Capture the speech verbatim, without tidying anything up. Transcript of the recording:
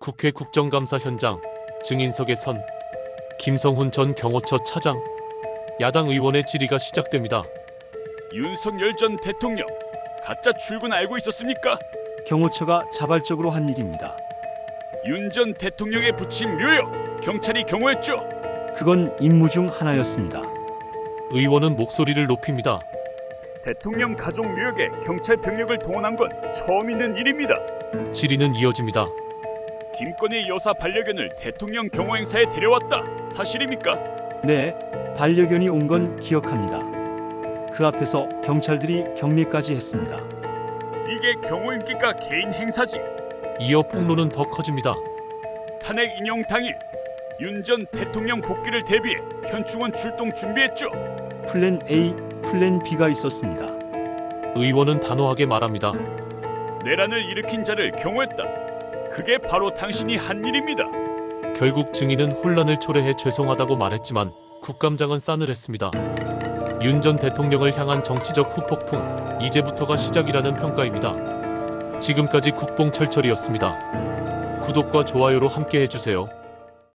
국회 국정감사 현장 증인석에 선 김성훈 전 경호처 차장. 야당 의원의 질의가 시작됩니다. 윤석열 전 대통령 가짜 출근 알고 있었습니까? 경호처가 자발적으로 한 일입니다. 윤 전 대통령의 부친 묘역 경찰이 경호했죠. 그건 임무 중 하나였습니다. 의원은 목소리를 높입니다. 대통령 가족 묘역에 경찰 병력을 동원한 건 처음 있는 일입니다. 질의는 이어집니다. 김건희 여사 반려견을 대통령 경호 행사에 데려왔다. 사실입니까? 네, 반려견이 온 건 기억합니다. 그 앞에서 경찰들이 격리까지 했습니다. 이게 경호입니까? 개인 행사지. 이어 폭로는 더 커집니다. 탄핵 인용 당일 윤 전 대통령 복귀를 대비해 현충원 출동 준비했죠. 플랜 A, 플랜 B가 있었습니다. 의원은 단호하게 말합니다. 내란을 일으킨 자를 경호했다. 그게 바로 당신이 한 일입니다. 결국 증인은 혼란을 초래해 죄송하다고 말했지만 국감장은 싸늘했습니다. 윤 전 대통령을 향한 정치적 후폭풍, 이제부터가 시작이라는 평가입니다. 지금까지 국뽕철철이었습니다. 구독과 좋아요로 함께 해주세요.